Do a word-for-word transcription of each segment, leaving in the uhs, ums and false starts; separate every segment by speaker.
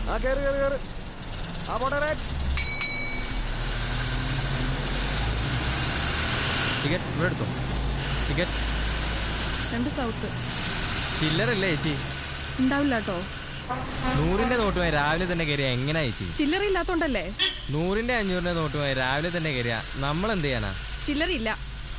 Speaker 1: ആ കേറ് കേറ് കേറ്. ആ പോട്ടെ റൈറ്റ്.
Speaker 2: ടിക്കറ്റ് ഇവിടെ എടുത്തോ. ടിക്കറ്റ്
Speaker 3: രണ്ട് സൗത്ത്.
Speaker 2: ചില്ലറല്ലേ ചേച്ചി?
Speaker 3: ഉണ്ടാവില്ല കേട്ടോ.
Speaker 2: നൂറിന്റെ നോട്ടുമായി രാവിലെ തന്നെ കയറിയ എങ്ങനെയാ ചേച്ചി?
Speaker 3: ചില്ലറ ഇല്ലാത്തോണ്ടല്ലേ.
Speaker 2: നൂറിന്റെ അഞ്ഞൂറിന്റെ നോട്ടുമായി രാവിലെ തന്നെ കയറിയ നമ്മൾ എന്ത് ചെയ്യാനാ?
Speaker 3: ചില്ലറില്ല.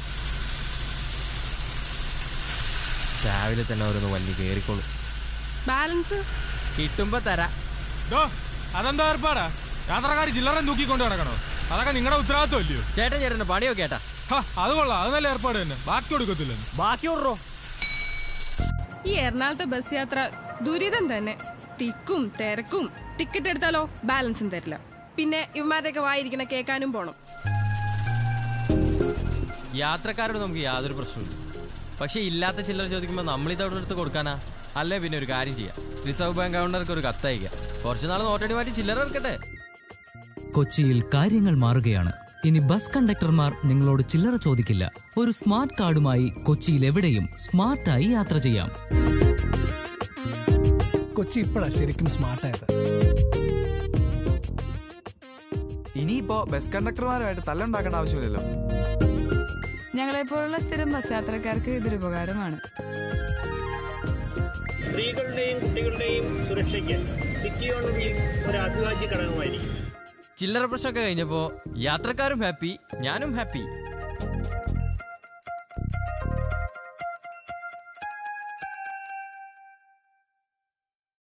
Speaker 2: രാവിലെ തന്നെ ഓരോന്ന് വണ്ടി കയറിക്കോളൂ.
Speaker 3: ബാലൻസ്
Speaker 2: കിട്ടുമ്പോ തരാ.
Speaker 4: അതെന്താ ഏർപ്പാടാ? യാത്രക്കാർ ചില്ലറ തൂക്കിക്കൊണ്ട് നടക്കണോ? അതൊക്കെ നിങ്ങളുടെ ഉത്തരവാദിത്വം അല്ലയോ?
Speaker 2: ചേട്ടൻ ചേട്ടന്റെ പണിയൊക്കെ ഏട്ടാ.
Speaker 4: അത് കൊള്ളാം, അത് നല്ല ഏർപ്പാട് തന്നെ. ബാക്കി കൊടുക്കത്തില്ല.
Speaker 2: ബാക്കി ഓർറോ.
Speaker 3: ഈ എറണാകുളത്തെ ബസ് യാത്ര ദുരിതം തന്നെ. തിക്കും തിരക്കും. ടിക്കറ്റ് എടുത്താലോ ബാലൻസും തരില്ല. പിന്നെ ഇവന്മാരുടെയൊക്കെ വായിരിക്കണ കേൾക്കാനും പോണം.
Speaker 2: യാത്രക്കാരോട് നമുക്ക് യാതൊരു പ്രശ്നമില്ല. പക്ഷെ ഇല്ലാത്ത ചില്ലറ ചോദിക്കുമ്പോൾ നമ്മളിത് അവിടെ എടുത്ത് കൊടുക്കാനാ? അല്ലേ പിന്നെ ഒരു കാര്യം ചെയ്യാം, റിസർവ് ബാങ്ക് ഗവർണർക്ക് ഒരു കത്തയക്കാം. കുറച്ചുനാൾ നോട്ടടി മാറ്റി ചില്ലറ ഇറക്കട്ടെ.
Speaker 5: കൊച്ചിയിൽ കാര്യങ്ങൾ മാറുകയാണ്. ഇനി ബസ് കണ്ടക്ടർമാർ നിങ്ങളോട് ചില്ലറ ചോദിക്കില്ല. ഒരു സ്മാർട്ട് കാർഡുമായി കൊച്ചിയിൽ എവിടെയും സ്മാർട്ടായി യാത്ര ചെയ്യാം.
Speaker 6: കൊച്ചി ഇപ്പോഴാണ് ശരിക്കും സ്മാർട്ടായത്.
Speaker 1: ഇനിയിപ്പോ ബസ് കണ്ടക്ടർമാരുമായിട്ട് തല്ലുണ്ടാക്കേണ്ട ആവശ്യമില്ലല്ലോ.
Speaker 7: ഞങ്ങളെപ്പോലുള്ള സ്ഥിരം ബസ് യാത്രക്കാർക്ക് ഇതൊരു ഉപകാരമാണ്.
Speaker 8: സ്ത്രീകളുടെയും കുട്ടികളുടെയും സുരക്ഷയ്ക്ക് സിറ്റി ഓൺ വീൽസ് ഒരു അഭിവാജ്യ ഘടകമായിരിക്കും.
Speaker 2: ചില്ലറ പ്രശ്നമൊക്കെ കഴിഞ്ഞപ്പോ യാത്രക്കാരും ഹാപ്പി, ഞാനും ഹാപ്പി.